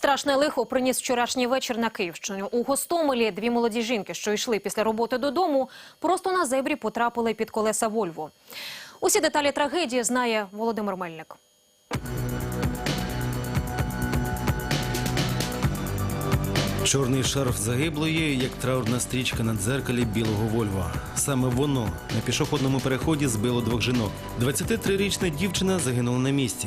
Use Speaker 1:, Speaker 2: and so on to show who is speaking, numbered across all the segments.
Speaker 1: Страшне лихо приніс вчорашній вечір на Київщину. У Гостомелі дві молоді жінки, що йшли після роботи додому, просто на зебрі потрапили під колеса Вольво. Усі деталі трагедії знає Володимир Мельник.
Speaker 2: Чорний шарф загиблої, як траурна стрічка на дзеркалі білого Вольво. Саме воно на пішохідному переході збило двох жінок. 23-річна дівчина загинула на місці.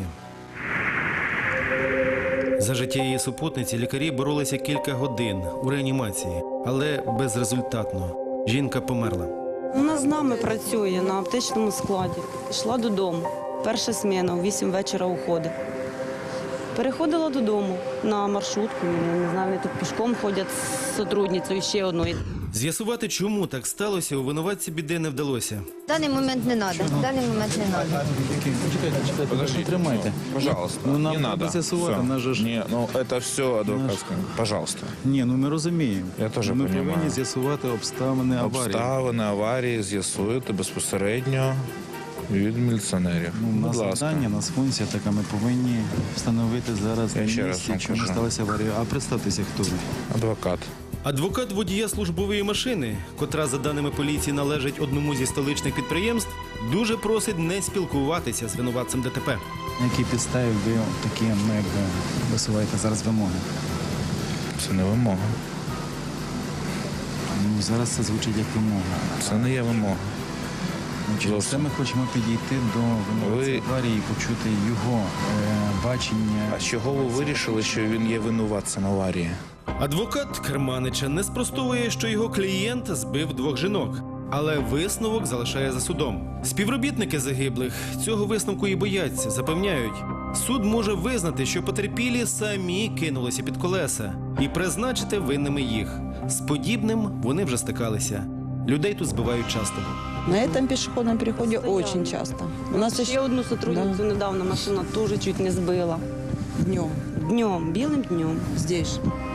Speaker 2: За життя її супутниці лікарі боролися кілька годин у реанімації, але безрезультатно. Жінка померла.
Speaker 3: Вона з нами працює на аптечному складі. Йшла додому. Перша зміна, о 8 вечора уходить. Переходила додому на маршрутку. Я не знаю, вони тут пішком ходять з сотрудницею ще одною.
Speaker 2: З'ясувати, чому так сталося, у винуватці біди не вдалося.
Speaker 4: В даний момент не треба. В даний момент не треба.
Speaker 5: Подождите,
Speaker 6: Тримайте.
Speaker 5: пожалуйста,
Speaker 6: Ну, нам
Speaker 5: не
Speaker 6: треба
Speaker 5: надо.
Speaker 6: з'ясувати,
Speaker 5: Всё.
Speaker 6: наш же ж-
Speaker 5: Не, ну это все адвокатское. Пожалуйста.
Speaker 6: Ні, ну ми розуміємо.
Speaker 5: Я теж
Speaker 6: Ми
Speaker 5: розумію.
Speaker 6: повинні з'ясувати обставини аварії.
Speaker 5: Обставини аварії з'ясуєте безпосередньо від міліціонерів.
Speaker 6: Ну, у
Speaker 5: Будь
Speaker 6: нас
Speaker 5: ласка.
Speaker 6: завдання, у нас функція така, ми повинні встановити зараз
Speaker 5: Я
Speaker 6: на
Speaker 5: ще раз
Speaker 6: місці,
Speaker 5: вам
Speaker 6: чому
Speaker 5: кажу.
Speaker 6: сталася аварія. А представтеся, хто ви?
Speaker 5: Адвокат.
Speaker 2: Адвокат водія службової машини, котра, за даними поліції, належить одному зі столичних підприємств, дуже просить не спілкуватися з винуватцем ДТП.
Speaker 6: На якій підставі ви такі висуваєте зараз вимоги?
Speaker 5: Це не вимога.
Speaker 6: Ну, зараз це звучить як вимога.
Speaker 5: Це не є вимога.
Speaker 6: Ну, через це ми хочемо підійти до винуватця
Speaker 5: Ви-
Speaker 6: аварії і почути його бачення.
Speaker 5: А з чого ви вирішили, що він є винуватцем аварії?
Speaker 2: Адвокат Керманича не спростовує, що його клієнт збив двох жінок. Але висновок залишає за судом. Співробітники загиблих цього висновку і бояться, запевняють. Суд може визнати, що потерпілі самі кинулися під колеса і призначити винними їх. З подібним вони вже стикалися. Людей тут збивають часто.
Speaker 7: На этом пешеходном переходе очень часто. У нас
Speaker 3: Ще
Speaker 7: еще
Speaker 3: одну сотрудницю недавно машина теж чуть не збила.
Speaker 7: днем,
Speaker 3: Днем, білим днем.
Speaker 7: здесь же.